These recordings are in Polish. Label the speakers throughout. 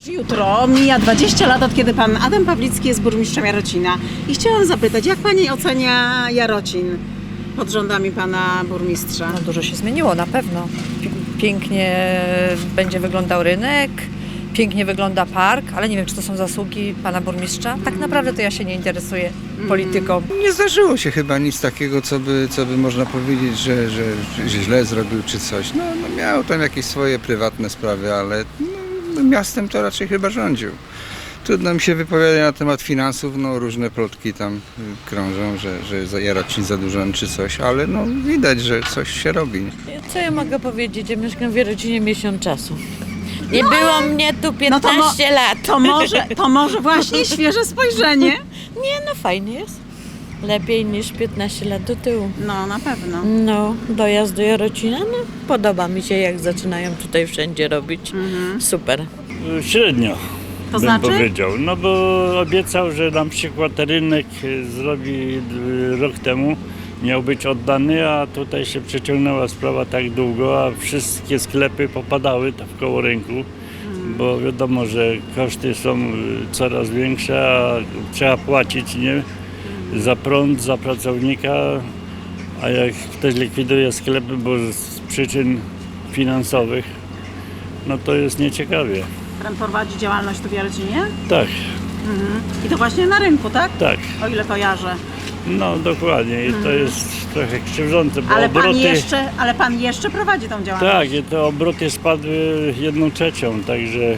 Speaker 1: Jutro mija 20 lat, od kiedy pan Adam Pawlicki jest burmistrzem Jarocina. I chciałam zapytać, jak pani ocenia Jarocin pod rządami pana burmistrza?
Speaker 2: No dużo się zmieniło, na pewno. Pięknie będzie wyglądał rynek, pięknie wygląda park, ale nie wiem, czy to są zasługi pana burmistrza. Tak naprawdę to ja się nie interesuję polityką.
Speaker 3: Nie zdarzyło się chyba nic takiego, co by można powiedzieć, że źle zrobił czy coś. No miał tam jakieś swoje prywatne sprawy, ale miastem to raczej chyba rządził. Trudno mi się wypowiadać na temat finansów, różne plotki tam krążą, że Jarocin zadłużony czy coś, ale widać, że coś się robi.
Speaker 4: Co ja mogę powiedzieć? Ja mieszkam w Jarocinie miesiąc czasu. Nie było mnie tu 15 lat.
Speaker 1: To może właśnie świeże spojrzenie?
Speaker 4: Nie, no fajnie jest. Lepiej niż 15 lat do tyłu.
Speaker 1: No, na pewno.
Speaker 4: No, dojazd do Jarocina, no podoba mi się, jak zaczynają tutaj wszędzie robić. Super.
Speaker 5: Średnio,
Speaker 1: To
Speaker 5: bym
Speaker 1: znaczy?
Speaker 5: powiedział. No bo obiecał, że na przykład rynek zrobi rok temu, miał być oddany, a tutaj się przeciągnęła sprawa tak długo, a wszystkie sklepy popadały tam w koło rynku, bo wiadomo, że koszty są coraz większe, a trzeba płacić, nie? Za prąd, za pracownika, a jak ktoś likwiduje sklepy, bo z przyczyn finansowych, no to jest nieciekawie.
Speaker 1: Pan prowadzi działalność tu w Jarocinie?
Speaker 5: Tak,
Speaker 1: I to właśnie na rynku, tak?
Speaker 5: tak,
Speaker 1: O ile kojarzę.
Speaker 5: no dokładnie i to jest trochę krzywdzące, bo
Speaker 1: Ale
Speaker 5: obroty...
Speaker 1: pan jeszcze prowadzi tą działalność.
Speaker 5: Tak, i te obroty spadły 1/3, także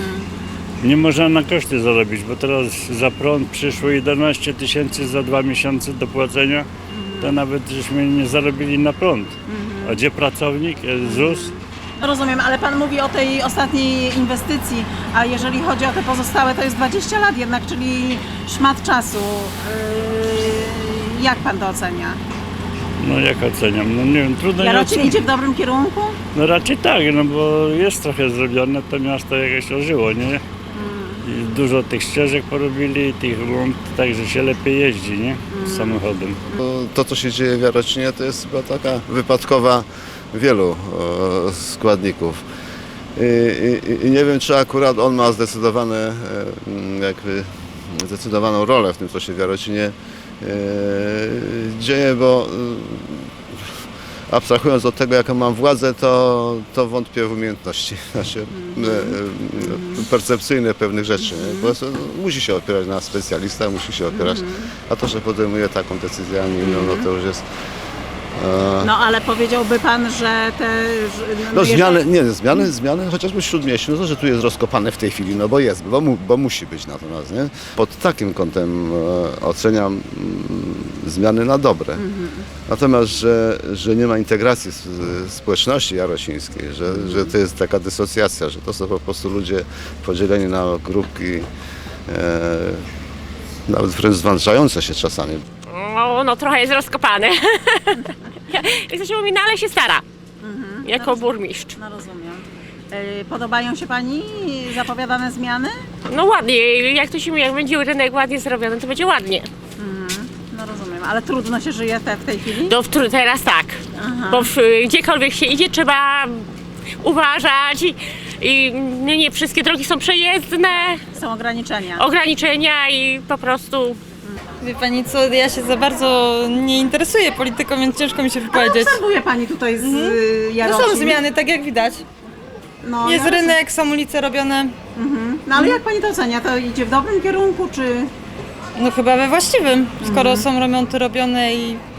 Speaker 5: nie można na koszty zarobić, bo teraz za prąd przyszło 11 000 za 2 miesiące do płacenia, to nawet żeśmy nie zarobili na prąd. A gdzie pracownik, ZUS?
Speaker 1: Rozumiem, ale pan mówi o tej ostatniej inwestycji, a jeżeli chodzi o te pozostałe, to jest 20 lat jednak, czyli szmat czasu. Jak pan to ocenia?
Speaker 5: No jak oceniam, no nie wiem, trudno
Speaker 1: Jarocin
Speaker 5: ocenić.
Speaker 1: idzie w dobrym kierunku?
Speaker 5: No raczej tak, no bo jest trochę zrobione, to miasto jakoś ożyło, nie? I dużo tych ścieżek porobili, tych rund, także się lepiej jeździ, nie? Samochodem.
Speaker 6: To, co się dzieje w Jarocinie, to jest chyba taka wypadkowa wielu składników. I nie wiem, czy akurat on ma zdecydowaną rolę w tym, co się w Jarocinie dzieje, bo abstrahując od tego, jaką mam władzę, to wątpię w umiejętności percepcyjne pewnych rzeczy. Po prostu musi się opierać na specjalistach, musi się opierać, a to, że podejmuje taką decyzję, no to już jest...
Speaker 1: No ale powiedziałby pan, że te...
Speaker 6: No zmiany chociażby w Śródmieściu, no to, że tu jest rozkopane w tej chwili, no bo jest, bo musi być natomiast, nie? Pod takim kątem oceniam zmiany na dobre. Natomiast, że nie ma integracji społeczności jarocińskiej, że to jest taka dysocjacja, że to są po prostu ludzie podzieleni na grupki, nawet wręcz zwalczające się czasami.
Speaker 7: No trochę jest rozkopane. Jak to się mówi, no ale się stara. Jako burmistrz.
Speaker 1: No rozumiem. Podobają się pani zapowiadane zmiany?
Speaker 7: No ładnie, jak to się mówi, jak będzie rynek ładnie zrobiony, to będzie ładnie.
Speaker 1: No rozumiem, ale trudno się żyje w tej chwili?
Speaker 7: Teraz tak. Bo gdziekolwiek się idzie, trzeba uważać i nie wszystkie drogi są przejezdne,
Speaker 1: Są ograniczenia.
Speaker 7: ograniczenia i po prostu...
Speaker 2: Wie pani co, ja się za bardzo nie interesuję polityką, więc ciężko mi się
Speaker 1: Ale
Speaker 2: wypowiedzieć.
Speaker 1: obserwuje pani tutaj z
Speaker 2: No
Speaker 1: Jarocin.
Speaker 2: są zmiany, tak jak widać.
Speaker 1: No,
Speaker 2: Jest rynek, są ulice robione.
Speaker 1: No ale jak pani to ocenia? To idzie w dobrym kierunku, czy...
Speaker 2: No chyba we właściwym, skoro są remonty robione i